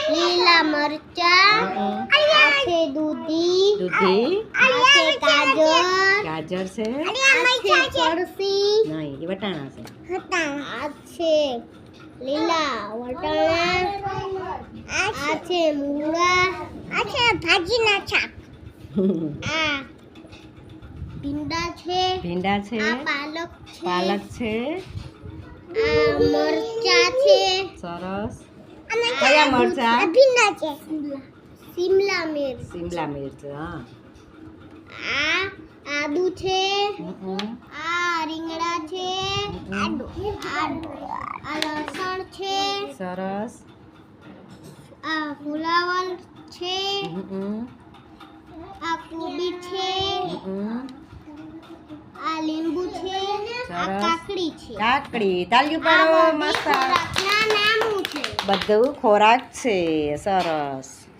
લીલા મરચા, આ છે દૂધી, આ છે ગાજર, છે, આ છે ફરસી, નહીં એ વટાણા છે, આ છે લીલા વટાણા, આ છે મૂળા, આ છે ભાજીના શાક, આ ભીંડા છે, આ પાલક છે, આ મરચા છે, સરસ. કયા મરચા? ભીંડા છે, શિમલા મિર્ચ, હા. આ આદુ છે, આ રીંગણા છે, આ લસણ છે, સરસ. આ ફુલાવર છે, આ કોબી છે, આ લીંબુ છે, આ કાકડી છે. તાલ્યું પાડો. મસ્ત. ખોરાકના નામો છે. બધું ખોરાક છે. સરસ.